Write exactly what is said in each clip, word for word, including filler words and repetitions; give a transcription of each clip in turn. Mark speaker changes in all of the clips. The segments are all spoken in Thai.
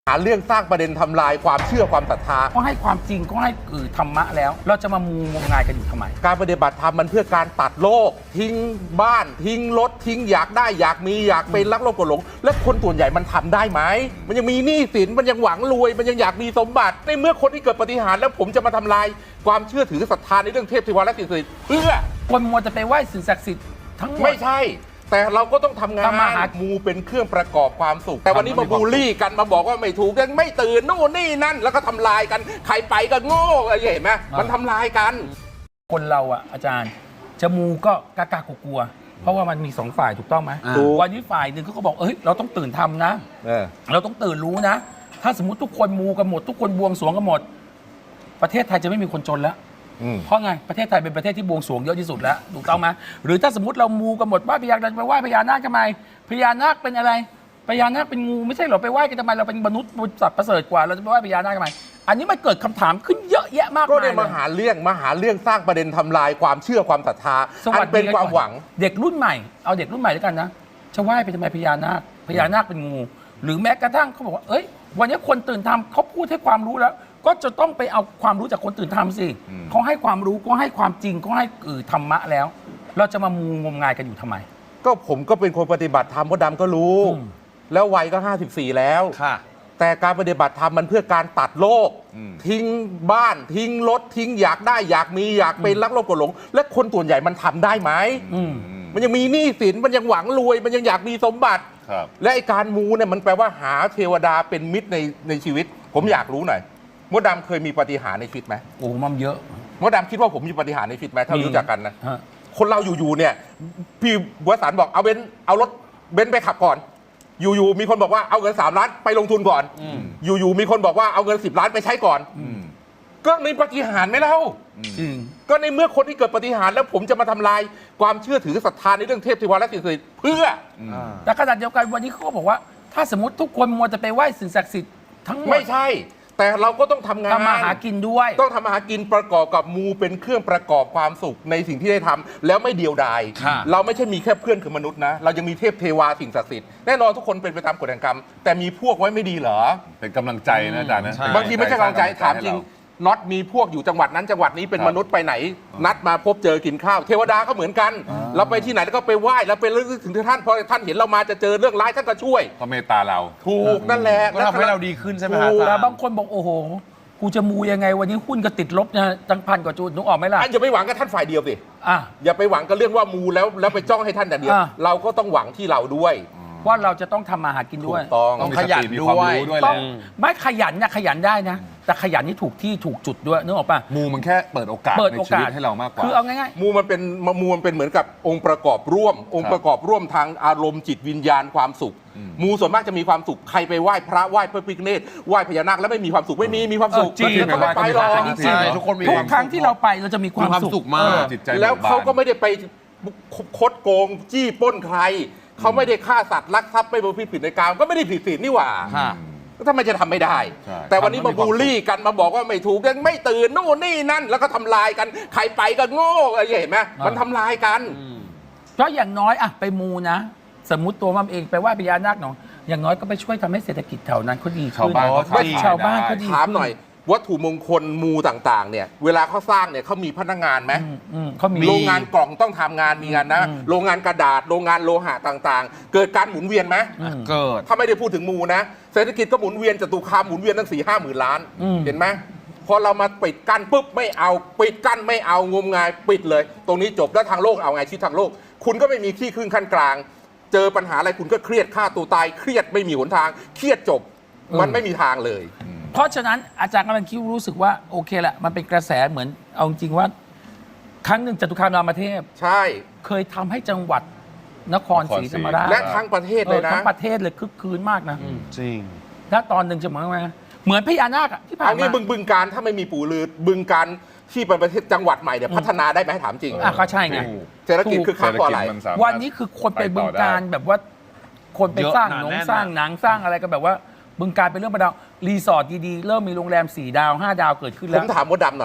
Speaker 1: หาเรื่องสร้างประเด็นทำลายความเชื่อความศรัทธา
Speaker 2: ก็ให้ความจริงก็ให้คือธรรมะแล้วเราจะมามูงมงายกันอยู่ทำไม
Speaker 1: การปฏิบัติธรรมมันเพื่อการตัดโลกทิ้งบ้านทิ้งรถทิ้งอยากได้อยากมีอยากเป็นรักโลกกดหลงและคนส่วนใหญ่มันทำได้ไหมมันยังมีหนี้สินมันยังหวังรวยมันยังอยากมีสมบัติในเมื่อคนที่เกิดปาฏิหาริย์แล้วผมจะมาทำลายความเชื่อถือศรัทธาในเรื่องเทพเทวาและสิ่งศักดิ์สิทธิ์เพื่อ
Speaker 2: คนมัวจะไปไหว้สิ่งศักดิ์สิทธิ์ทั้งหมด
Speaker 1: ไม่ใช่แต่เราก็ต้องทำงาน
Speaker 2: มาหา
Speaker 1: มูเป็นเครื่องประกอบความสุขแต่วันนี้มาบูลลี่กันมาบอกว่าไม่ถูกยังไม่ตื่นโน่นนี่นั่นแล้วก็ทำลายกันใครไปก็โง่อะไรเห็นไหมมันทำลายกัน
Speaker 2: คนเราอ่ะอาจารย์จะมูก็กล้ากลัวเพราะว่ามันมีสองฝ่ายถูกต้องไหมวันนี้ฝ่ายหนึ่งเขาก็บอกเอ้ยเราต้องตื่นทำนะเราต้องตื่นรู้นะถ้าสมมติทุกคนมูกันหมดทุกคนบวงสรวงกันหมดประเทศไทยจะไม่มีคนจนแล้วเพราะไงประเทศไทยเป็นประเทศที่บวงสรวงเยอะที่สุดแล้วถูกต้องไหมหรือถ้าสมมติเรามูกันหมดว่าพญานาคไปไหว้พญานาคทำไมพญานาคเป็นอะไรพญานาคเป็นงูไม่ใช่เหรอไปไหว้กันทำไมเราเป็นมนุษย์สัตว์ประเสริฐกว่าเราจะไปไหว้พญานาคทำไมอันนี้มันเกิดคำถามขึ้นเยอะแยะมากมาย
Speaker 1: ก็ได้มาหาเรื่องมาหาเรื่องสร้างประเด็นทำลายความเชื่อความศรัทธาอันเป็นความหวัง
Speaker 2: เด็กรุ่นใหม่เอาเด็กรุ่นใหม่ด้วยกันนะจะไหว้ไปทำไมพญานาคพญานาคเป็นงูหรือแม้กระทั่งเขาบอกว่าเอ้ยวันนี้คนตื่นทำเขาพูดให้ความรู้แล้วก็จะต้องไปเอาความรู้จากคนตื่นทำสิเขาให้ความรู้ก็ให้ความจริงก็ให้คือธรรมะแล้วเราจะมามูงมงายกันอยู่ทำไม
Speaker 1: ก็ผมก็เป็นคนปฏิบัติธรรมพ่อดำก็รู้แล้ววัยก็ห้าสิบสี่แล้วแต่การปฏิบัติธรรมมันเพื่อการตัดโลกทิ้งบ้านทิ้งรถทิ้งอยากได้อยากมีอยากเป็นรักโลกกดหลงและคนส่วนใหญ่มันทำได้ไหมมันยังมีหนี้สินมันยังหวังรวยมันยังอยากมีสมบัติและไอการมูเนี่ยมันแปลว่าหาเทวดาเป็นมิตรในในชีวิตผมอยากรู้หน่อยมดดำเคยมีปาฏิหาริย์ในชีวิตไหม
Speaker 2: โอ้มันเยอะ
Speaker 1: มดดำคิดว่าผมมีปาฏิหาริย์ในชีวิตไหมถ้ารู้จักกันนะคนเราอยู่ๆเนี่ยพี่วสันต์บอกเอาเบนเอารถเบนไปขับก่อนอยู่ๆมีคนบอกว่าเอาเงินสามล้านไปลงทุนก่อนอยู่ๆมีคนบอกว่าเอาเงินสิบล้านไปใช้ก่อนก็ในปาฏิหาริย์ไหมเล่าก็ในเมื่อคนที่เกิดปาฏิหาริย์แล้วผมจะมาทำลายความเชื่อถือศรัทธาในเรื่องเทพเทวาและสิ่งศักดิ์สิทธิ์เพื่อ
Speaker 2: แต่ขณะเดียวกันวันนี้เขาก็บอกว่าถ้าสมมติทุกคนมัวจะไปไหว้สิ่งศักดิ์สิทธิ์ทั้งหมด
Speaker 1: ไม่ใช่แต่เราก็ต้องทำงาน
Speaker 2: ทำมาหากินด้วย
Speaker 1: ต้องทำมาหากินประกอบกับมูเป็นเครื่องประกอบความสุขในสิ่งที่ได้ทำแล้วไม่เดียวดายเราไม่ใช่มีแค่เพื่อนคือมนุษย์นะเรายังมีเทพเทวาสิ่งศักดิ์สิทธิ์แน่นอนทุกคนเป็นไปตามกฎแห่งกรรมแต่มีพวกไว้ไม่ดีเหรอ
Speaker 3: เป็นกำลังใจนะอาจารย์นะ
Speaker 1: บางทีไม่ใช่กำลังใจถามจริงน็อตมีพวกอยู่จังหวัดนั้นจังหวัดนี้เป็นมนุษย์ไปไหนนัดมาพบเจอกินข้าวเทวดาก็เหมือนกันเราไปที่ไหนแล้วก็ไปไหว้แล้วไปเรื่องถึงท่านพอท่านเห็นเรามาจะเจอเรื่องร้ายท่านก็ช่วย
Speaker 3: ก็เมตตาเรา
Speaker 1: ถูกนั่นแหละ
Speaker 3: ก็ทำให้เราดีขึ้นใช่ไหมครับ
Speaker 2: แต่บางคนบอกโอ้โหกูจะมูยังไงวันนี้หุ้นก็ติดลบนะตั้งพันกว่าจุดนึกออกไหมล่ะ
Speaker 1: อย่าไปหวังกับท่านฝ่ายเดียวสิอย่าไปหวังกับเรื่องว่ามูแล้วแล้วไปจ้องให้ท่านแต่เดียวเราก็ต้องหวังที่เราด้วย
Speaker 2: ว่าเราจะต้องทำมาหากินด้วย
Speaker 1: ต้อง
Speaker 3: ขยันด้วย
Speaker 2: ต้องไม่ขยันนะขยันได้นะแต่ขยันนี่ถูกที่ถูกจุดด้วยนึกออกป่ะ
Speaker 3: มูมันแค่เปิดโอกาสในชีวิตให้เรามากกว่า
Speaker 2: คือเอาง่าย
Speaker 1: ๆมูมันเป็นมูมันเป็นเหมือนกับองค์ประกอบร่วมองค์ประกอบร่วมทางอารมณ์จิตวิญญาณความสุขมูส่วนมากจะมีความสุขใครไปไหว้พระไหว้พระพิฆเนศไหว้พญานาคแล้วไม่มีความสุขไม่มีมีความสุข
Speaker 2: จริง
Speaker 1: ไม่ไปหรอก
Speaker 3: ทุกคนมี
Speaker 2: ทุกครั้งที่เราไปเราจะมีความสุขมาก
Speaker 1: แล้วเขาก็ไม่ได้ไปคดโกงจี้ป้นใครเขาไม่ได้ฆ่าสัตว์ลักทรัพย์ไม่ประพฤติผิดในกามก็ไม่ได้ผิดศีลนี่หว่าทำไมจะทำไม่ได้แต่วันนี้มาบูลลี่กันมาบอกว่าไม่ถูกยังไม่ตื่นโน่นนี่นั่นแล้วก็ทำลายกันใครไปก็โง่อะไรเห็นไหมมันทำลายกัน
Speaker 2: เพราะอย่างน้อยอะไปมูนะสมมุติตัวมันเองไปไหว้พญานาคหนองอย่างน้อยก็ไปช่วยทำให้เศรษฐกิจแถวนั้นเขาดีขึ้นชาวบ้านชาวบ้านเขาดี
Speaker 1: ถามหน่อยวัตถุมงคลมูต่างๆเนี่ยเวลาเขาสร้างเนี่ยเขามีพนักงานไหม
Speaker 2: เขามี
Speaker 1: โรงงานกล่องต้องทำงานมีงานนะโรงงานกระดาษโรงงานโลหะต่างๆเกิดการหมุนเวียนไหม
Speaker 3: เกิด
Speaker 1: ถ้าไม่ได้พูดถึงมูนะเศรษฐกิจก็หมุนเวียนจตุคามหมุนเวียนตั้งสี่ห้าหมื่นล้านเห็นไหมพอเรามาปิดกั้นปุ๊บไม่เอาปิดกั้นไม่เอางมงายปิดเลยตรงนี้จบแล้วทางโลกเอาไงชีวิตทางโลกคุณก็ไม่มีที่ขึ้นขั้นกลางเจอปัญหาอะไรคุณก็เครียดฆ่าตัวตายเครียดไม่มีหนทางเครียดจบมันไม่มีทางเลย
Speaker 2: เพราะฉะนั้นอาจารย์กำลังคิดรู้สึกว่าโอเคแหละมันเป็นกระแสเหมือนเอาจริงว่าครั้งหนึ่งจตุคามรามเทพ
Speaker 1: ใช่
Speaker 2: เคยทำให้จังหวัดนครศรีธรรมราช
Speaker 1: และทั้งประเทศเลยนะ
Speaker 2: ทั้งประเทศเลยคึกคืนมากนะ
Speaker 3: จริง
Speaker 2: ถ้าตอนหนึ่งจะเหมือนไงเหมือนพญานาคที่ผ่านมา
Speaker 1: เอางี้บึงบึงการถ้าไม่มีปู่ลือบึงการที่เป็นประเทศจังหวัดใหม่เนี่ยพัฒนาได้ไหมถามจริง
Speaker 2: อ่ะก็ใช่ไง
Speaker 1: เศรษฐกิจคือค้าก่ออะไร
Speaker 2: วันนี้คือคนไปบึงการแบบว่าคนไปสร้างหนังสร้างหนังสร้างอะไรก็แบบว่าบึงการเป็นเรื่องประดารีสอร์ทดีๆเริ่มมีโรงแรมสี่ดาวห้าดาวเกิดขึ้นแล้ว
Speaker 1: ผมถามมดดำหน่อย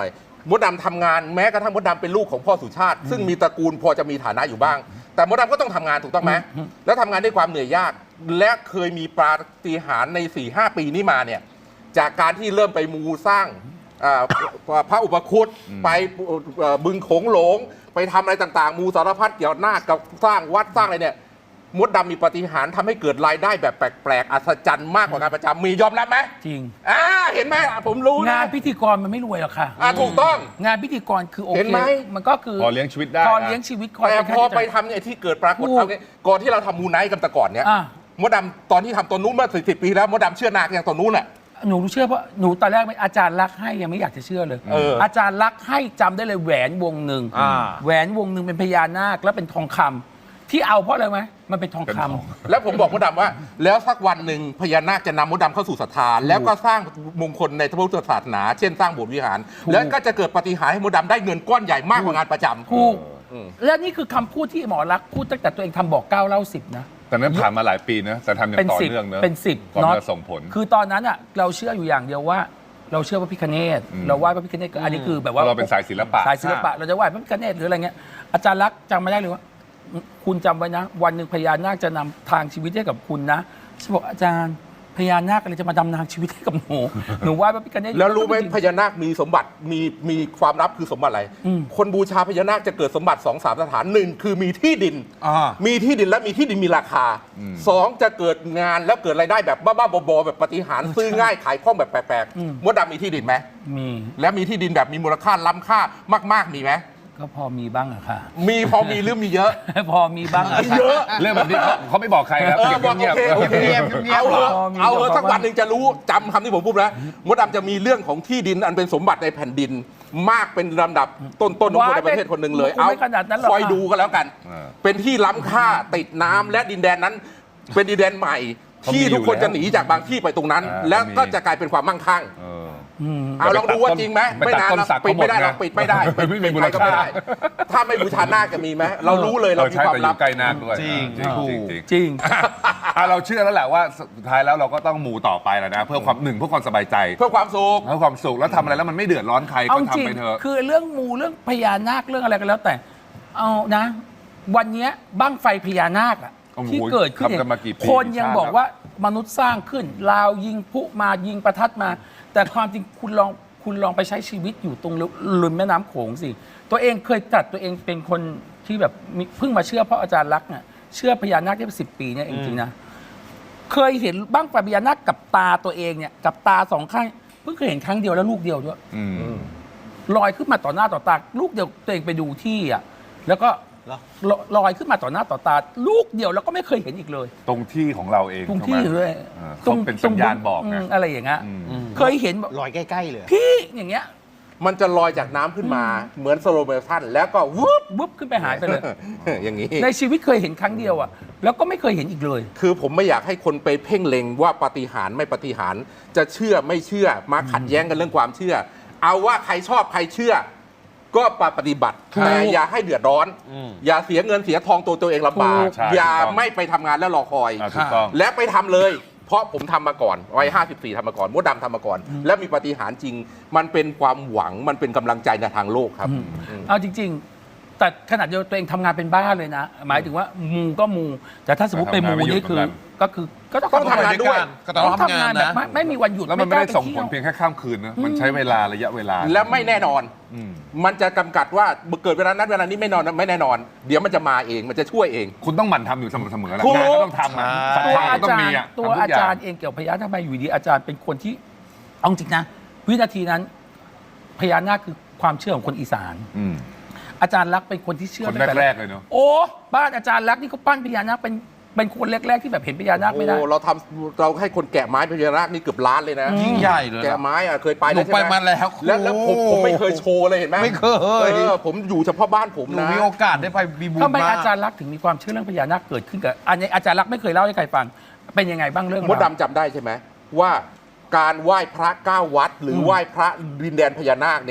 Speaker 1: มดดำทำงานแม้กระทั่งมดดำเป็นลูกของพ่อสุชาติ ซึ่งมีตระกูลพอจะมีฐานะอยู่บ้าง แต่มดดำก็ต้องทำงานถูกต้องไหมแล้วทำงานด้วยความเหนื่อยยากและเคยมีปาฏิหาริย์ใน สี่ห้า ปีนี้มาเนี่ยจากการที่เริ่มไปมูสร้างพระอุปคุตไปบึงโขงหลงไปทำอะไรต่างๆมูสารพัดเกี่ยวหน้ากับสร้างวัดสร้างอะไรเนี่ยมดดำมีปาฏิหาริย์ทำให้เกิดรายได้แบบแปลกๆอัศจรรย์มากกว่าการประจำมียอมรับไหม
Speaker 2: จริง
Speaker 1: อ่าเห็นไหมผมรู้นะ
Speaker 2: งานพิธีกรมันไม่รวยหรอกค่ะ
Speaker 1: อ่าถูกต้อง
Speaker 2: งานพิธีกรคือโอ
Speaker 1: เห็
Speaker 2: เคน
Speaker 1: ไหม
Speaker 2: มันก็คือ
Speaker 3: พอเลี้ยงชีวิตได้
Speaker 2: พอเลี้ยงชีวิต
Speaker 1: แต่พอไป
Speaker 2: ท
Speaker 1: ทำเนี่ยที่เกิดปรากฏเอาเนี่ยก่อนที่เราทำมูไนท์กันแต่ก่อนเนี่ย
Speaker 2: อ่ะ
Speaker 1: มดดำตอนที่ทำตัวนู้นเมื่อสิบปีแล้วมดดำเชื่อนาคอย่างตัวนู้นแหละ
Speaker 2: หนูเชื่อเพราะหนูตอนแรกไม่อาจารย์รักให้ยังไม่อยากจะเชื่อเลย
Speaker 1: เออ
Speaker 2: อาจารย์รักให้จำได้เลยแหวนวงหนึ่ง
Speaker 3: อ่า
Speaker 2: แหวนวงหนึ่งเป็นพญานาคแล้วเป็นทองคำที่เอาเพราะอะไรไหมมันเป็นทองคำ
Speaker 1: แล้วผมบอกมดดำว่า แล้วสักวันหนึ่งพญานาคจะนำมดดำเข้าสู่ศรัทธาแล้วก็สร้างมงคลในพระพุทธศาสนา เช่นสร้างโบสถ์วิหาร แล้วก็จะเกิดปาฏิหาริย์ให้มดดำได้เงินก้อนใหญ่มากกว่างานประจำ
Speaker 2: ถูกและนี่คือคำพูดที่หมอรักพูดตั้งแต่ตัวเองทำบอกเก้าเล่าสิบนะ
Speaker 3: แต่นั้นผ่านมาหลายปีนะแต่ทำอย่าง
Speaker 2: เป็น
Speaker 3: ต่อ
Speaker 2: สิบ
Speaker 3: เนื่องเนอะ
Speaker 2: เป็นสิบ
Speaker 3: ก่อน
Speaker 2: เนาะ
Speaker 3: จะส่งผล
Speaker 2: คือตอนนั้นอ่ะเราเชื่ออยู่อย่างเดียวว่า เราเชื่อพระพิฆเนศ
Speaker 3: อืม
Speaker 2: เราไหว้พระพิฆเนศก็อันนี้คือแบบว่า
Speaker 3: เราเป็นสายศิลปะ
Speaker 2: สายศิลปะเราจะไหว้พระพิฆเนศหรืออะไรเงี้ยอาจารย์รักษณ์จำไม่ได้เลยว่า คุณจำไว้นะ วันหนึ่งพญานาคจะนำทางชีวิตให้กับคุณนะฉันบอกอาจารย์พญานาคอะไรจะมาดำทางชีวิตให้กับหนูหนูไหว้พระพิฆเนศ
Speaker 1: แล้วรู้ไหมพญานาคมีสมบัติมีมีความลับคือสมบัติอะไร
Speaker 2: อืม
Speaker 1: คนบูชาพญานาคจะเกิดสมบัติสองสามสถานหนึ่งคือมีที่ดิน
Speaker 3: อ่า
Speaker 1: มีที่ดินและมีที่ดินมีราคา
Speaker 3: อืม
Speaker 1: สองจะเกิดงานแล้วเกิดรายได้แบบบ้าๆบอๆแบบปาฏิหาริย์ซื้อง่ายขายคล่องแบบแปลกๆมดดำมีที่ดินไหม
Speaker 2: มี
Speaker 1: และมีที่ดินแบบมีมูลค่าล้ำค่ามากๆมีไหม
Speaker 2: ก็พอมีบ้างอะค่ะ
Speaker 1: มีพอมีหรือมีเยอะ
Speaker 2: พอมีบ้างอะค่ะ
Speaker 1: เยอะ
Speaker 3: เรื่องแบบนี้เขาเขาไม่บอกใครครับ
Speaker 1: เออ
Speaker 3: เก็บ
Speaker 1: บอก
Speaker 3: เงียบ
Speaker 1: โอเค
Speaker 3: ๆ
Speaker 1: โอเค
Speaker 3: เงียบๆเงียบ
Speaker 1: เอา
Speaker 3: ๆ
Speaker 1: เถอะ
Speaker 2: พอมี
Speaker 1: เอาเถอะ
Speaker 2: บอก
Speaker 1: สัก
Speaker 2: ว่า
Speaker 1: วันหนึ่งจะรู้จำคำที่ผมพูดนะมดดำจะมีเรื่องของที่ดินอันเป็นสมบัติในแผ่นดิน มากเป็นลำดับต้นๆของคนในประเทศคนหนึ่งเลย
Speaker 2: ว้ายไม่ขนาดนั้นหรอก
Speaker 1: คอยดูกันแล้วกัน
Speaker 3: เออ
Speaker 1: เป็นที่ล้ำค่าติดน้ำและดินแดนนั้น เป็นดินแดนใหม่
Speaker 3: เขามี
Speaker 1: ที่ทุกคน
Speaker 3: อยู่แล้ว
Speaker 1: จะหนีจากบางที่ไปตรงนั้น
Speaker 3: อ่า
Speaker 1: แล้ว
Speaker 3: มี
Speaker 1: ก็จะกลายเป็นความมั่งคั่ง
Speaker 3: เออ
Speaker 2: อืม
Speaker 1: เอาลองดูว่าจริงไหม
Speaker 3: ไป
Speaker 1: ไม่
Speaker 3: ตัด
Speaker 1: นาน
Speaker 3: ต้น
Speaker 1: หรอก
Speaker 3: สัก
Speaker 1: ปิดไม่ได้หรอก
Speaker 3: เขาหมดไง
Speaker 1: ปิดไม่ได้
Speaker 3: ไม่มีมูล
Speaker 1: ใครก็ไม่
Speaker 3: ค่า
Speaker 1: ได้ ถ้าไม่บูชานาคจะมีไหมเรารู้เลยเรา
Speaker 3: เออ
Speaker 1: มี
Speaker 3: ใช่
Speaker 1: ความ
Speaker 3: แต่อ
Speaker 1: ลับ
Speaker 3: ยู่ใกล้นาคด้วย
Speaker 4: จริง
Speaker 3: จริง
Speaker 4: ถูก
Speaker 3: จริงจริง
Speaker 2: จริง
Speaker 3: อ่ะเราเชื่อแล้วแหละว่าสุดท้ายแล้วเราก็ต้องมูต่อไปแล้วนะ เพื่อความหนึ่งเพื่อความสบายใจ
Speaker 1: เพื่อความสุข
Speaker 3: เพื่อความสุขแล้วทำอะไรแล้วมันไม่เดือดร้อนใคร
Speaker 2: เอา
Speaker 3: ก็
Speaker 2: จริง
Speaker 3: ทำไปเถอะ
Speaker 2: คือเรื่องมูเรื่องพญานาคเรื่องอะไรกันแล้วแต่ เอานะ วันเนี้ยบั้งไฟพญานาคอะ
Speaker 3: โอ้โห
Speaker 2: ที่เกิดขึ้น
Speaker 3: ทำกันมากี่ปี
Speaker 2: คนยัง
Speaker 3: กี่ชาติ
Speaker 2: บอกว่ามนุษย์สร้างขึ้นลาวยิงพลุมายิงประทัดมา แต่ความจริงคุณลองคุณลองไปใช้ชีวิตอยู่ตรงริมแม่น้ำโขงสิ ตัวเองเคยจัดตัวเองเป็นคนที่แบบมีเพิ่งมาเชื่อเพราะอาจารย์รักษณ์เนี่ยเชื่อพญานาคได้สิบปีเนี่ยจริงๆนะเคยเห็นบ้างไฟพญานาคกับตาตัวเองเนี่ยกับตาสองข้างเพิ่งเคยเห็นครั้งเดียวแล้วลูกเดียวด้วย
Speaker 3: อืม
Speaker 2: ลอยขึ้นมาต่อหน้าต่อตาลูกเดียวตัวเองไปดูที่อ่ะแล้วก็
Speaker 4: เหรอ
Speaker 2: ลลอยขึ้นมาต่อหน้าต่อตา ลูกเดียวแล้วก็ไม่เคยเห็นอีกเลย
Speaker 3: ตรงที่ของเราเอง
Speaker 2: ตรง
Speaker 3: ใช่
Speaker 2: ที่
Speaker 3: ไหม
Speaker 2: ด้วย
Speaker 3: เออเขาเป็นสัญญาณบอกนะ
Speaker 2: มอะไรอย่างเงี้ย
Speaker 3: อืม
Speaker 2: เคยเห็นแบบ
Speaker 4: ลอยใกล้ๆเลย
Speaker 2: พี่อย่างเงี้ย
Speaker 1: มันจะลอยจากน้ำขึ้นมาเหมือนสโลว์โมชั่นแล้วก็วุบ
Speaker 2: วุบขึ้นไปหายไปเลย
Speaker 1: อย่างนี้
Speaker 2: ในชีวิตเคยเห็นครั้งเดียวอ่ะแล้วก็ไม่เคยเห็นอีกเลย
Speaker 1: คือผมไม่อยากให้คนไปเพ่งเล็งว่าปาฏิหาริย์ไม่ปาฏิหาริย์จะเชื่อไม่เชื่อมาขัดแย้งกันเรื่องความเชื่อ เอาว่าใครชอบใครเชื่อ ก็ปฏิบัติ
Speaker 2: ถูก
Speaker 1: แต่อย่าให้เดือดร้อน
Speaker 4: อืม
Speaker 1: อย่าเสียเงินเสียทองตัวตัวเองลำบาก
Speaker 3: ถูกใช่
Speaker 1: อย่า
Speaker 3: ถูกต้อง
Speaker 1: ไม่ไปทำงานแล้วรอคอย
Speaker 3: อ่าถูกต้อง
Speaker 1: และไปทำเลย เพราะผมทำมาก่อนวัยห้าสิบสี่ทำมาก่อนมดดำทำมาก่อน และมีปาฏิหาริย์จริง มันเป็นความหวังมันเป็นกำลังใจในทางโลกครับ
Speaker 2: เอาจริง ๆ แต่ขนาดเดียวตัวเองทำงานเป็นบ้าเลยนะ หมายถึงว่ามูก็มู แต่ถ้าสมมติไปมูนี่คือ ก็คือก็ต้อง
Speaker 1: ต้องทำงานด้วย
Speaker 4: ก็ต้องทำงาน
Speaker 2: แบบ
Speaker 4: นะ
Speaker 2: ไม่ไม่มีวันหยุด
Speaker 3: แล้วมันไม่ได้
Speaker 2: กา
Speaker 3: ส่งผล
Speaker 2: ป
Speaker 3: เพี
Speaker 2: ที่
Speaker 3: ยงแค่ข้ามคืนนะมันใช้เวลาระยะเวลา
Speaker 1: และไม่แน่นอน
Speaker 3: อืม
Speaker 1: มันจะกำกัดว่าเกิดเวลานั้นเวลานี้ไม่นอนไม่แน่นอน เดี๋ยวมันจะมาเองมันจะช่วยเอง
Speaker 3: คุณต้องหมั่นทำอยู่เสมอๆแหละ
Speaker 1: ถูก
Speaker 3: งานก็ต้องทำอะศรัท
Speaker 2: ตัว
Speaker 3: ธา
Speaker 2: อา
Speaker 3: ก็ต้อง
Speaker 2: จาร
Speaker 3: มี
Speaker 2: ย์
Speaker 3: อ่ะ
Speaker 2: ตัว
Speaker 3: ทำทุ
Speaker 2: อาก
Speaker 3: ย่ง
Speaker 2: จารย์เองเกี่ยวกับพญานาคทำไมอยู่ดีอาจารย์เป็นคนที่เอาจริงนะ วินาทีนั้นพญานาคคือความเชื่อของคนอีสาน
Speaker 3: อืม
Speaker 2: อาจารย์รักษณ์เป็นคนที่เชื่อ
Speaker 3: คน
Speaker 2: ตั้งแต่
Speaker 3: แรกๆเลยเนาะ
Speaker 2: โอ้บ้านอาจารย์รักษณ์นี่เขาปั้นพญานาคเป็นเป็นคนแรกๆที่แบบเห็นพญานาคไม่ได้
Speaker 1: โอ้เราทำเราให้คนแกะไม้พญานาคนี่เกือบล้านเลยนะ
Speaker 4: ยิ่งใหญ่เลย
Speaker 1: แกะ
Speaker 4: นะ
Speaker 1: ไม้อะเคยไป
Speaker 4: หนู
Speaker 1: แล้วใช่ไหม
Speaker 4: ไปมาแล้ว
Speaker 1: แล้วแล้วผมผมไม่เคยโชว์เลยเห็นไหม
Speaker 4: ไม่เคย
Speaker 1: เออผมอยู่เฉพาะบ้านผม
Speaker 4: หนู
Speaker 1: นะ
Speaker 4: มีโอกาสได้ไปมีบุญ
Speaker 2: ทำไม
Speaker 4: มาก
Speaker 2: อาจารย์รักษณ์ถึงมีความเชื่อเรื่องพญานาคเกิดขึ้นกับอันนี้อาจารย์รักษณ์ไม่เคยเล่าให้ใครฟังเป็นยังไงบ้างเรื่อง
Speaker 1: มดดำจำได้ใช่ไหมว่าการไหว้พระเก้าวัด หรือไหว้พระดินแดนพญานาคเนี่ย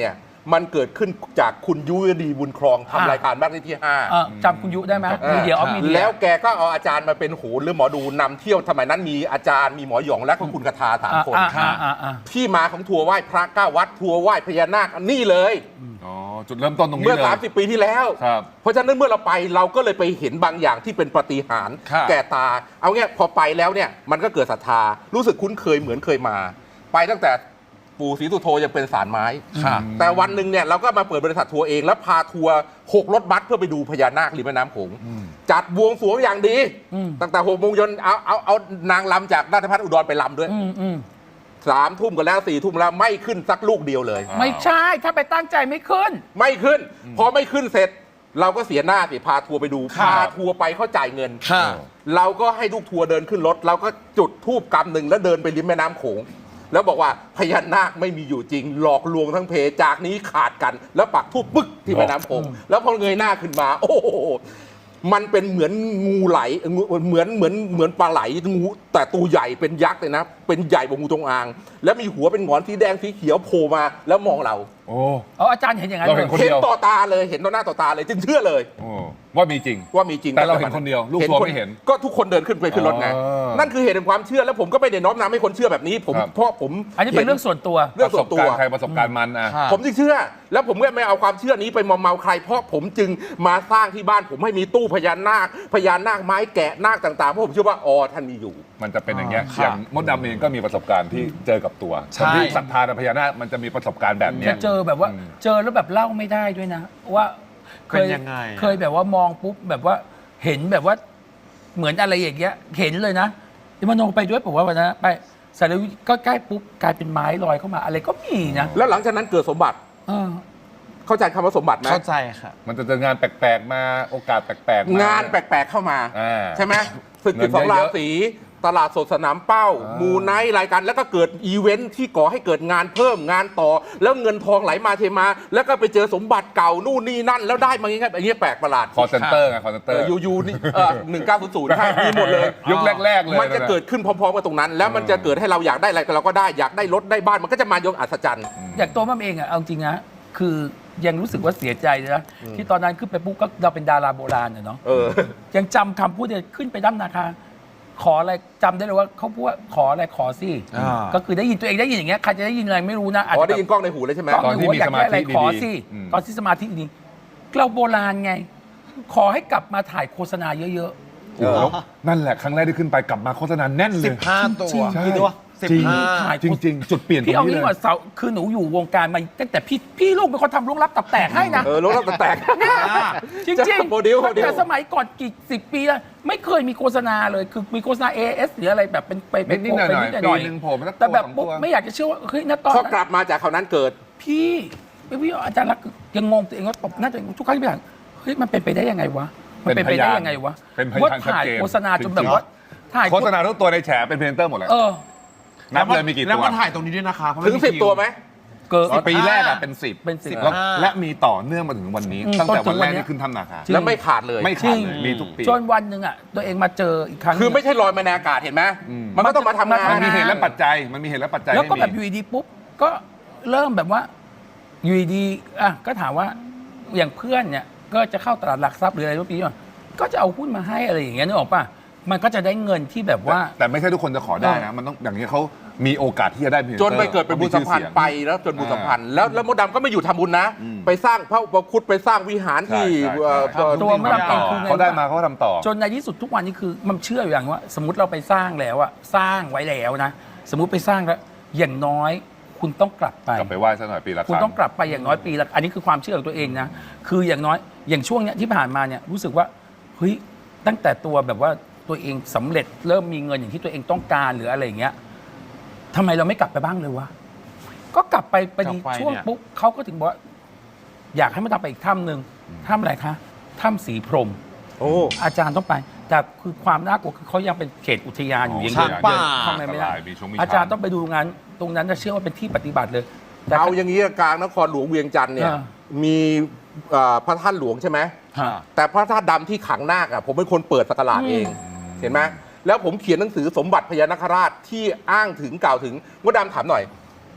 Speaker 1: มันเกิดขึ้นจากคุณยุวดีบุญครองทำรายการบ้านเลขที่ห้า
Speaker 2: เออจำคุณยุได้ไหมมีเดียออฟมีเดีย
Speaker 1: แล้วแกก็เอาอาจารย์มาเป็นโหนหรือหมอดูนำเที่ยวสมัยนั้นมีอาจารย์มีหมอหยองและก็คุณกทาสามคน
Speaker 2: อ่าอ่าอ่า
Speaker 1: ที่มาของทัวร์ไหว้พระเก้าวัดทัวร์ไหว้พญานาคนี่เลย
Speaker 3: อ๋อจุดเริ่มต้นตรงนี้
Speaker 1: เมื่อ
Speaker 3: เลย
Speaker 1: สามสิบปีที่แล้ว
Speaker 3: ครับ
Speaker 1: เพราะฉะนั้นเมื่อเราไปเราก็เลยไปเห็นบางอย่างที่เป็นปาฏิหาริย์
Speaker 3: ครับ
Speaker 1: แก่ตา เอาเงี้ยพอไปแล้วเนี่ยมันก็เกิดศรัทธารู้สึกคุ้นเคยเหมือนเคยมา ไปตั้งแต่ปู่ศรีสุโธยังเป็นสารไม้
Speaker 3: ครับ
Speaker 1: แต่วันหนึ่งเนี่ยเราก็มาเปิดบริษัททัวร์เองแล้วพาทัวร์หกรถบัสเพื่อไปดูพญานาคริมแม่น้ำโขงจัดบวงสรวงอย่างดี ตั้งแต่หกโมงเย็นเอาเอาเอานางลำจากราชพัฒอุดรไปลำด้วย
Speaker 2: อืมอืม
Speaker 1: สามทุ่มกันแล้วสี่ทุ่มแล้วไม่ขึ้นสักลูกเดียวเลย
Speaker 2: ไม่ใช่ถ้าไปตั้งใจไม่ขึ้น
Speaker 1: ไม่ขึ้น พอไม่ขึ้นเสร็จ เราก็เสียหน้าสิพาทัวร์ไปดู
Speaker 3: ครับ
Speaker 1: พาทัวร์ไปเขาจ่ายเงิน
Speaker 4: ค่ะ
Speaker 1: เราก็ให้ลูกทัวร์เดินขึ้นรถ เราก็จุดทูบกำหนึ่งแล้วเดินไปริมแม่น้ำโขง แล้วบอกว่าพญานาคไม่มีอยู่จริง หลอกลวงทั้งเพจากนี้ขาดกัน แล้วปักทูบปึ๊กที่แม่น้ำโขงแล้วพอเงยหน้าขึ้นมา โอ้โหมันเป็นเหมือนงูไหลงูเหมือนเหมือนเหมือนปลาไหลงูแต่ตัวใหญ่เป็นยักษ์เลยนะ เป็นใหญ่กว่างูจงอาง แล้วมีหัวเป็นหงอนสีแดงสีเขียวโผล่มาแล้วมองเรา
Speaker 3: โอ้
Speaker 2: เอออาจารย์เห็นอย่างนั้น
Speaker 3: เรา
Speaker 2: เล
Speaker 3: เห็
Speaker 2: ย
Speaker 3: นคน
Speaker 1: เห็น
Speaker 3: เดียว
Speaker 1: ต่อตาเลยเห็นต่อหน้าต่อตาเลยจึงเชื่อเลย
Speaker 3: โอ้ว่ามีจริง
Speaker 1: ว่ามีจริง
Speaker 3: แต่เราเห็นคนเดียวลูกทัวร์ไม่เห็น
Speaker 1: ก็ทุกคนเดินขึ้นไปขึ้นรถไง
Speaker 3: อ๋อ
Speaker 1: นั่นคือเหตุแห่งความเชื่อแล้วผมก็ไม่ได้น้อมนำให้คนเชื่อแบบนี้ผม
Speaker 3: ครับ
Speaker 1: เพราะผม
Speaker 2: อันนี้เป็นเรื่องส่วนตัว
Speaker 1: เรื่องส่วนตัว
Speaker 3: ประสบการณ์ใครประสบการณ์มันอ่ะ
Speaker 4: ค่ะ
Speaker 1: ผมจึงเชื่อ แล้วผมก็ไม่เอาความเชื่อนี้ไปมอมเมาใคร เพราะผมจึงมาสร้างที่บ้านผมให้มีตู้พญานาคพญานาคไม้แกะนาคต่างๆเพราะผมเชื่อว่าอ๋อท่านมีอยู่
Speaker 3: มันจะเป็นอย่างเงี้ย
Speaker 4: ครับ
Speaker 3: อย่างมดดำเองก็มีประสบการณ์ที่เจอกับตัว
Speaker 4: ใช่
Speaker 3: คนที่ศรัทธาในพญานาคมันจะมีประสบการณ์แบบเนี้
Speaker 2: จะ
Speaker 3: ย
Speaker 2: เจอแบบว่า
Speaker 3: อืม
Speaker 2: เจอแล้วแบบเล่าไม่ได้ด้วยนะ ว่าเคย
Speaker 4: เป็นยังไงอะ
Speaker 2: เคยแบบว่ามองปุ๊บแบบว่าเห็นแบบว่าเหมือนอะไรอย่างเงี้ยเห็นเลยนะที่มโนไปด้วยผมว่าวันนั้นไปสารวิก็ใกล้ปุ๊บกลายเป็นไม้ลอยเข้ามาอะไรก็มีนะ
Speaker 1: แล้วหลังจากนั้นเกิดสมบัติ
Speaker 2: เออ
Speaker 1: เข้าใจคำว่าสมบัติไหม
Speaker 4: เข้าใจค่ะ
Speaker 3: มันจะเจองานแปลกๆมาโอกาสแปลกๆม
Speaker 1: งานแปลกๆเข้ามา
Speaker 3: อ่า
Speaker 1: ใช่ไหมศึก
Speaker 3: เงิ
Speaker 1: สิ
Speaker 3: น
Speaker 1: บสอง
Speaker 3: เย
Speaker 1: รา
Speaker 3: อะๆ
Speaker 1: ศีตลาดสดสนามเป้า
Speaker 3: อ่า
Speaker 1: มูไนท์รายการแล้วก็เกิดอีเวนท์ที่ก่อให้เกิดงานเพิ่มงานต่อ แล้วเงินทองไหลมาเทมา แล้วก็ไปเจอสมบัติเก่านู่นนี่นั่น แล้วได้มาอย่างเงี้ยอย่างเงี้ยแปลกประหลาด
Speaker 3: คอเซนเตอร์ไงคอเซนเตอร์
Speaker 1: ยูยูนี่หนึ่งเก้าศูนย์ศูนย์ใช่มีหมดเลย
Speaker 3: ยุคแรก ๆ เลย
Speaker 1: มันจะเกิดขึ้นพร้อมๆกันตรงนั้น แล้วมันจะเกิดให้เราอยากได้อะไรก็เราก็ได้อยากได้รถได้บ้านมันก็จะมาโยงอัศจรรย์
Speaker 2: อย่างตัวมันเองอะเอาจริงนะคือยังรู้สึกว่าเสียใจเลยนะที่ตอนนั้นขึ้นไปปุ๊บก็เราเป็นดาราโบราณอะเนาะ
Speaker 1: เออ
Speaker 2: ยังจำคำพูดเนี่ยขึ้นไปด้านนาคาขออะไรจำได้เลยว่าเขาพูดว่าขออะไรขอสิ
Speaker 4: อ่า
Speaker 2: ก็คือได้ยินตัวเองได้ยินอย่างเงี้ยใครจะได้ยินอะไรไม่รู้นะอาจ
Speaker 1: อ๋อ
Speaker 2: จะ
Speaker 1: ได้ยินกล้องในหูเลยใช่ไหม
Speaker 2: ตอนที่มีสมาธิขอสิ
Speaker 3: อืม
Speaker 2: ตอนที่สมาธิดีเราโบราณไง ขอให้กลับมาถ่ายโฆษณาเยอะ
Speaker 3: โอ้โหแล้วนั่นแหละครั้งแรกที่ขึ้นไปกลับมาโฆษณาแน่นเล
Speaker 4: สิ
Speaker 3: ย
Speaker 4: บห้าตัว
Speaker 2: จริง
Speaker 3: ใช่
Speaker 4: กี่ตัวสิบ
Speaker 3: จริง
Speaker 4: ห้า
Speaker 2: ถ่าย
Speaker 3: จริง ๆ จุดเปลี่ยน
Speaker 2: ๆ
Speaker 3: ตร
Speaker 2: พี่
Speaker 3: ง
Speaker 2: เอา
Speaker 3: นี้
Speaker 2: งี้
Speaker 3: เลย
Speaker 2: ก่อนเสาคือหนูอยู่วงการมาตั้งแต่พี่พี่ลูกเป็นคนทำลุงรับตับแตกให้นะ
Speaker 1: เออรถเราแตก
Speaker 2: จริง
Speaker 1: จะ
Speaker 2: จริง
Speaker 1: โมเดลโมเดล
Speaker 2: แต่สมัยก่อนกี่สิบปีแล้วไม่เคยมีโฆษณาเลยคือมีโฆษณา เอ เอส หรืออะไรแบบเป็นไปไป
Speaker 3: นิดๆหน่อยๆ
Speaker 2: ไป
Speaker 3: ปีหนึ่งโผล่มาสัก
Speaker 2: แต่แบบ
Speaker 3: ตัวสอง
Speaker 2: ปุ๊บ
Speaker 3: ตัว
Speaker 2: ไม่อยากจะเชื่อว่าเฮ้ยณตอน
Speaker 1: พอ
Speaker 2: นั้น
Speaker 1: กลับมาจากเขาวนั้นเกิด
Speaker 2: พี่พี่อาจารย์รักษณ์ยังงงตัวเองว่าตบหน้าตัวเองทุกครั้งที่ไปอ่านเฮ้ยมันเป็นไปได้ยังไงวะมันเป็นไปได้ยังไงวะ
Speaker 3: เป็นพยาน
Speaker 2: ว่า
Speaker 3: ชัด
Speaker 2: ถ่าย
Speaker 3: เจน
Speaker 2: โฆษณาจนแบบว่าถ่าย
Speaker 3: โฆษณาทุกตัวในแฉเป็นพรีเซนเตอร์หมดเลย
Speaker 2: เออ
Speaker 3: นับเลยมีกี่
Speaker 4: แล้ว
Speaker 3: ตัว
Speaker 4: ก็ถ่ายตรงนี้ด้วยนะคะเพราะ
Speaker 1: ถึง
Speaker 4: ไม่มี
Speaker 1: สิบ
Speaker 4: คิ
Speaker 1: ตัวไหม
Speaker 2: เกิด
Speaker 3: ปีแรกอะเป็นสิบ
Speaker 2: เป็นสิบ
Speaker 3: แล้ว
Speaker 4: อ่า
Speaker 3: และมีต่อเนื่องมาถึงวันนี้
Speaker 2: อืม
Speaker 3: ตั้งแต่
Speaker 2: จนถึ
Speaker 3: วัน
Speaker 2: ง
Speaker 3: แร
Speaker 2: วัน
Speaker 3: ก
Speaker 2: เนี้ย
Speaker 3: ที่ขึ้นทำนาคา
Speaker 2: จริง
Speaker 1: แล้วไม่ขาดเลย
Speaker 3: ไม่
Speaker 2: จริ
Speaker 3: ขาด
Speaker 2: ง
Speaker 3: เลยมีทุกปี
Speaker 2: จนวันหนึ่งอ่ะตัวเองมาเจออีกครั้ง
Speaker 1: คือไม่ใช่ลอยมาในอากาศเห็นไหม
Speaker 3: อืม
Speaker 1: มันก็ต้องมาทำงาน
Speaker 3: มันมีเหตุและปัจจัยมันมีเหตุและปัจจัย
Speaker 2: แล้วก็
Speaker 3: ให้มี
Speaker 2: แบบอยู่ดีๆปุ๊บก็เริ่มแบบว่าอยู่ดีๆอ่ะก็ถามว่าอย่างเพื่อนเนี่ยก็จะเข้าตลาดหลักทรัพย์หรืออะไรทุกปีอ่ะก็จะเอาหุ้นมาให้อะไรอย่างเงี้ยนึกออกป่ะมันก็จะได้เงินที่แบบว่า
Speaker 3: แต่ไม่ใช่ทุกคนจะขอได้นะ มันต้องอย่างนี้ยเขามีโอกาสที่จะได้พรีซ
Speaker 1: จ
Speaker 3: ตอน ร์
Speaker 1: ไปเกิดเป็นบุญสัมพันธ์ไปแล้วจนบุญสัมพันธ์แล้วแล้วมดดำก็ไม่อยู่ทำบุญนะ
Speaker 3: อืม
Speaker 1: ไปสร้างพระอุปคุตไปสร้างวิหารที่
Speaker 3: ใช่ใช่
Speaker 1: เอ่อ
Speaker 3: ใช่
Speaker 1: เอ่อ
Speaker 2: ตัวมดดำเองคือไง
Speaker 3: เขาได้มาเขาก็ทำต่อ
Speaker 2: จนในที่สุดทุกวันนี้คือมันเชื่ออยู่อย่างว่า สมมติเราไปสร้างแล้วอะสร้างไว้แล้วนะ สมมุติไปสร้างแล้วอย่างน้อยคุณต้องกลับไป
Speaker 3: กลับไปไหว้สักหน่อยปีละค
Speaker 2: คุณ
Speaker 3: รั้ง
Speaker 2: ต้องกลับไปอย่างน้อยปีละอันนี้คือความเชื่อของตัวเองนะ คืออย่างน้อยอย่างช่วงเนี้ยที่ผ่านมาเนี่ยรู้สึกว่าเฮ้ยตั้งแต่ตัวแบบว่าตัวเองสำเร็จเริ่มมีเงินอย่างที่ตัวเองต้องการหรืออะไรอย่างเงี้ยทำไมเราไม่กลับไปบ้างเลยวะก็กลับไปไปดี
Speaker 4: กลับไป
Speaker 2: ช่วง
Speaker 4: เนี่ย
Speaker 2: ปุ๊บเขาก็ถึงบอกว่าอยากให้มาทำไปอีกถ้ำหนึ่งถ้ำอะไรคะถ้ำสีพรหม
Speaker 1: โอ้
Speaker 2: อาจารย์ต้องไป แต่คือความน่ากลัวคือเขายังเป็นเขตอุทยานอยู่ยัง
Speaker 4: ช้างป่า
Speaker 2: เข้าไปไม่ได้
Speaker 3: มีชงมี
Speaker 2: อาจารย์
Speaker 3: ช้
Speaker 2: ต้องไปดูงานตรงนั้นจะเชื่อว่าเป็นที่ปฏิบัติเลยแต่
Speaker 1: เอาอย่างนี้กลางนครหลวงเวียงจันทร์เนี่ย
Speaker 2: อ่า
Speaker 1: มีเอ่อพระธาตุหลวงใช่ไหม
Speaker 2: ฮะ
Speaker 1: แต่พระธาตุดำที่ขังนาคอะผมเป็นคนเปิดสักการะเอง เห็นไหมแล้วผมเขียนหนังสือสมบัติพญานาคราชที่อ้างถึงกล่าวถึงมดดำถามหน่อย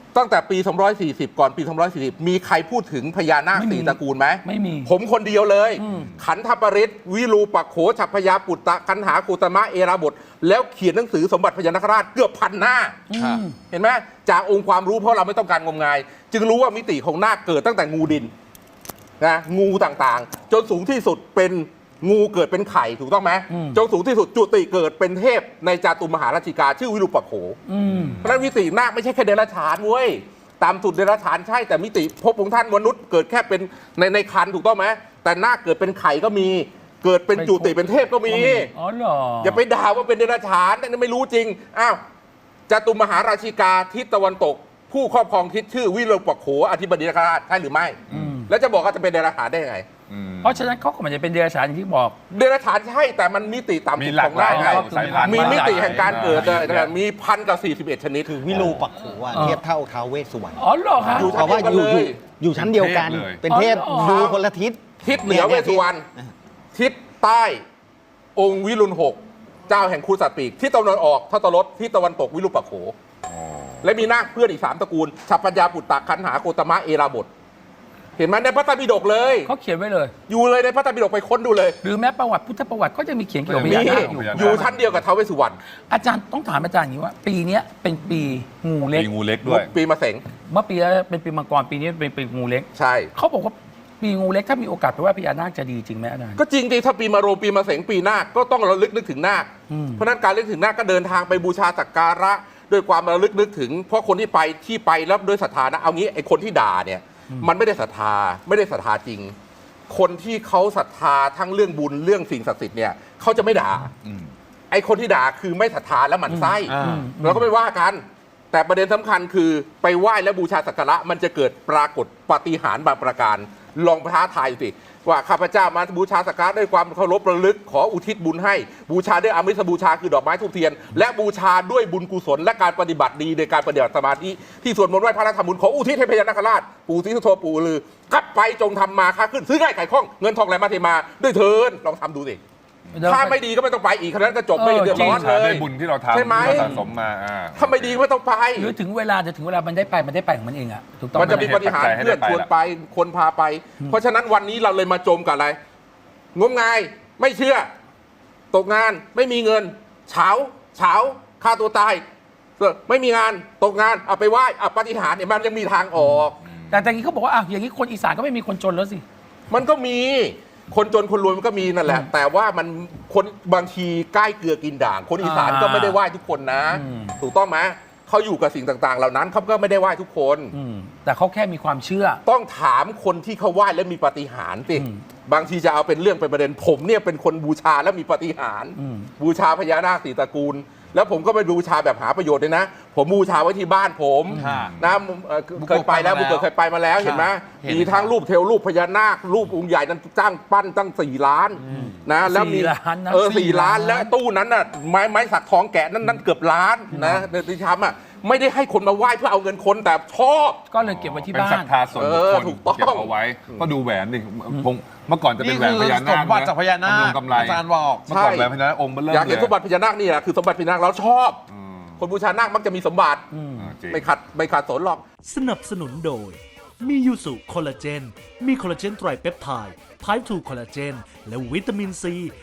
Speaker 1: ตั้งแต่ปีสองร้อยสี่สิบก่อนปีสองร้อยสี่สิบมีใครพูดถึงพญานาค
Speaker 2: ไม่มี
Speaker 1: สี่ตระกูลไหม
Speaker 2: ไม่มี
Speaker 1: ผมคนเดียวเลย
Speaker 2: อืม
Speaker 1: ขันธปริศวิรูปักโขฉัพพยาปุตตะคันหากุตมะเอราบท แล้วเขียนหนังสือสมบัติพญานาคราชเกือบพันหน้า
Speaker 2: อืม
Speaker 1: เห็นไหมจากองค์ความรู้เพราะเราไม่ต้องการงมงาย จึงรู้ว่ามิติของนาคเกิดตั้งแต่งูดินนะงูต่างๆ จนสูงที่สุดเป็นงูเกิดเป็นไข่ถูกต้องไหม
Speaker 2: อืม
Speaker 1: จนสูงที่สุดจุติเกิดเป็นเทพในจาตุมหาราชิกาชื่อวิรูปักโข
Speaker 2: อืม
Speaker 1: เพราะฉะนั้นมิตินาคไม่ใช่แค่เดรัจฉานเว้ยตามสุดเดรัจฉานใช่แต่มิติภพของท่านมนุษย์เกิดแค่เป็นในในคันถูกต้องไหมแต่นาคเกิดเป็นไข่ก็มี เกิดเป็นจุติเป็นเทพก็มี
Speaker 2: อ๋อเหรอ
Speaker 1: อย่าไปด่าว่าเป็นเดรัจฉานนั่นไม่รู้จริงอ้าวจาตุมหาราชิกาทิศตะวันตก ผู้ครอบครองทิศชื่อวิรูปักโขอธิบดีนาคราชใช่หรือไม่ แล้วจะบอกว่าจะเป็นเดรัจฉานได้ยังไง
Speaker 2: เพราะฉะนั้นเขาก็ไมันจะเป็นเดรัจฉานอย่างที่บอก
Speaker 1: เดรัจฉานใช่แต่มันมิติต่ำ
Speaker 3: มี
Speaker 1: สุด
Speaker 3: หลา
Speaker 1: ข
Speaker 3: ก
Speaker 1: อง
Speaker 3: หลาย
Speaker 1: นาคไง
Speaker 3: สายพันธุ์
Speaker 1: มีมิติแห่งการเกิด
Speaker 3: อ่า
Speaker 1: เลยนะมีพันกับสี่สิบเอ็ดชนิด
Speaker 5: คือวิรูปักโขอะ
Speaker 2: เออ
Speaker 5: เทียบเท่าท้าวเวสสุวรรณ
Speaker 2: อ๋อเหรอคะ
Speaker 1: อยู่
Speaker 5: เพราะว่าอยู่
Speaker 1: เที
Speaker 5: อย
Speaker 1: บกัน
Speaker 5: ยู่
Speaker 1: เลย
Speaker 5: อยู่ชั้นเดียวกัน
Speaker 3: เทพเลย
Speaker 5: เป็นเทพ
Speaker 2: อ๋อ
Speaker 5: ดูคนละทิศ
Speaker 1: ทิศเหนือเวสสุวรรณทิศใต้ องค์วิรุณหกเจ้าแห่งคูสัตว์ปีกทิศตะวันออกทัตตรสทิศตะวันตกวิรูปักโข และมีนาคเพื่อนอีกสามตระกูลฉัพพยาปุตตะคันหาโคตมะเอราบท เห็นไหมในพระไตรปิฎกเลย
Speaker 2: เขาเขียนไว้เลย
Speaker 1: อยู่เลยในพระไตรปิฎกไปค้นดูเลย
Speaker 2: หรือแม้ประวัติพุทธประวัติก็จะมีเขียนเกี่ยวกับพ
Speaker 1: มี
Speaker 2: ญานาคอยู่
Speaker 1: อยู่ชั้นเดียวกับท้าวเวสสุวรรณ
Speaker 2: อาจารย์ต้องถามอาจารย์อย่างนี้ว่า ปีเนี้ยเป็นปีงูเล็ก
Speaker 3: มีงูเล็กด้วย
Speaker 1: ปีมะเสง
Speaker 2: เมื่อปีแล้วเป็นปีมังกรปีนี้เป็นปีงูเล็ก
Speaker 1: ใช่
Speaker 2: เขาบอกว่าปีงูเล็กถ้ามีโอกาสไปไหว่าพญานาคจะดีจริงไหมอาจารย์
Speaker 1: ก็จริงดิถ้าปีมะโรงปีมะเสงปีนาคก็ต้องระลึกนึกถึงนาค
Speaker 2: อืม
Speaker 1: เพราะฉะนั้นการระลึกถึงนาคก็เดินทางไปบูชาสักการะด้วยความระลึกนึกถึง เพราะคนที่ไปที่ไปแล้วด้วยศรัทธานะเอางี้ไอ้คนที่ด่าเนี่ยมันไม่ได้ศรัทธาไม่ได้ศรัทธาจริง คนที่เขาศรัทธาทั้งเรื่องบุญเรื่องสิ่งศักดิ์สิทธิ์เนี่ยเขาจะไม่ด่า
Speaker 3: อืม
Speaker 1: ไอ้คนที่ด่าคือไม่ศรัทธาและหมั่นไส้
Speaker 5: อ่า
Speaker 1: เราก็ไม่ว่ากัน แต่ประเด็นสำคัญคือไปไหว้และบูชาสักการะมันจะเกิดปรากฏปาฏิหาริย์บางประการ ลองท้าทายสิว่าข้าพเจ้ามาบูชาสักการะด้วยความเคารพระลึกขออุทิศบุญให้บูชาด้วยอมิสบูชาคือดอกไม้ทูบเทียน และบูชาด้วยบุญกุศลและการปฏิบัติดีในการปฏิบัติสมาธิที่สวดมนต์ไหว้พระและทำบุญขออุทิศให้พญานาคราชปู่ศรีสุโธปู่ลือกลับไปจงทำมาค้าขึ้นซื้อง่ายขายคล่องเงินทองไหลมาเทมาด้วยเถินลองทำดูสิถ้าไม่ดีก็ไม่ต้องไปอีกครั้นั้นก็จบไม่เดือดร้อน
Speaker 3: บูชา
Speaker 1: เล
Speaker 3: ด้วย ยบุญที่เราทำ
Speaker 1: ใช่ไหม
Speaker 3: ที่เราสะสมมาอ่า
Speaker 1: ถ้าไม่ดีก็ไม่ต้องไป
Speaker 2: หรือถึงเวลาจะถึงเวลามันได้ไปมันได้ไปของมันเองอะถูกต้อง
Speaker 1: มันจะ
Speaker 2: ไห
Speaker 1: มีปฏิหารย์
Speaker 3: ให้
Speaker 1: เพื่อน
Speaker 3: ได้ไป
Speaker 1: ชวนไปคนพาไป เพราะฉะนั้นวันนี้เราเลยมาจมกับอะไร งมงายไม่เชื่อ ตกงานไม่มีเงิน เฉาเฉาฆ่าตัวตายเออไม่มีงานตกงานเอาไปไหว้เอาปฏิหารย์เนี่ยมันยังมีทางออก
Speaker 2: แต่ตอนนี้เขาบอกว่าอ่ะอย่างนี้คนอีสานก็ไม่มีคนจนแล้วสิ
Speaker 1: มันก็มีคนจนคนรวยมันก็มีนั่นแหละ แต่ว่ามันคนบางทีใกล้เกลือกินด่าง คนอีสาน
Speaker 2: อ่า
Speaker 1: ก็ไม่ได้ไหว้ทุกคนนะ
Speaker 2: อืม
Speaker 1: ถูกต้องไหมเขาอยู่กับสิ่งต่าง ๆ เหล่านั้นเขาก็ไม่ได้ไหว้ทุกคน
Speaker 2: อืมแต่เขาแค่มีความเชื่อ
Speaker 1: ต้องถามคนที่เขาไหว้และมีปาฏิหาริย์สิ
Speaker 2: อืม
Speaker 1: บางทีจะเอาเป็นเรื่องเป็นประเด็นผมเนี่ยเป็นคนบูชาและมีปาฏิหาริย์
Speaker 2: อืม
Speaker 1: บูชาพญานาคสีตระกูล แล้วผมก็ไม่บูชาแบบหาประโยชน์เลยนะ ผมบูชาไว้ที่บ้านผม
Speaker 5: ค่ะ
Speaker 1: นะเอ่อเคยไปแล้วบุกเกิดเคยไปมาแล้วเห็นไหม
Speaker 5: เห็น
Speaker 1: มีทั้งรูปเทวรูปพญานาครูปองค์ใหญ่นั้นจ้างปั้นตั้งสี่ล้านนะแล้วมี
Speaker 2: สี่ล้านนะ
Speaker 1: เออสี่ล้าน
Speaker 2: สี่ล้าน
Speaker 1: แล้วตู้นั้นน่ะไม้ไม้สักทองแกะนั้นนั้นเกือบล้านนะในที่ทำอ่ะไม่ได้ให้คนมาไหว้เพื่อเอาเงินคนแต่ชอบ
Speaker 2: ก็เลยเก็บไว้ที่
Speaker 3: เป็น
Speaker 2: บ้า
Speaker 3: ศรั
Speaker 2: น
Speaker 3: ทธาส่วนบุค
Speaker 1: เออ
Speaker 3: คล
Speaker 1: ถูกต้อง
Speaker 3: เก็บเอาไว้ก็ดูแหวนดิคงเมื่อก่อนจะเป็นแหวนพญานาค
Speaker 4: นี่คือสมบัติจากพญานาค
Speaker 3: กำไร
Speaker 4: อาจารย์บอก
Speaker 3: เมื่อก่อนแหวนพญานาคองค์เบลเริ่ม
Speaker 1: อยากเห็น
Speaker 3: เลย
Speaker 1: สมบัติพญานาคนี่แหละคือสมบัติพญานาคเราชอบ
Speaker 3: อืม
Speaker 1: คนบูชานาคมักจะมีสมบัติ
Speaker 3: อ่าจริง
Speaker 1: ไม่ขัดไม่ขัดสนหรอก
Speaker 6: สนับสนุนโดย มียูสุคอลลาเจน มีคอลลาเจนไตรเปปไทด์ไพร์ทูคอลลาเจน และวิตามินซี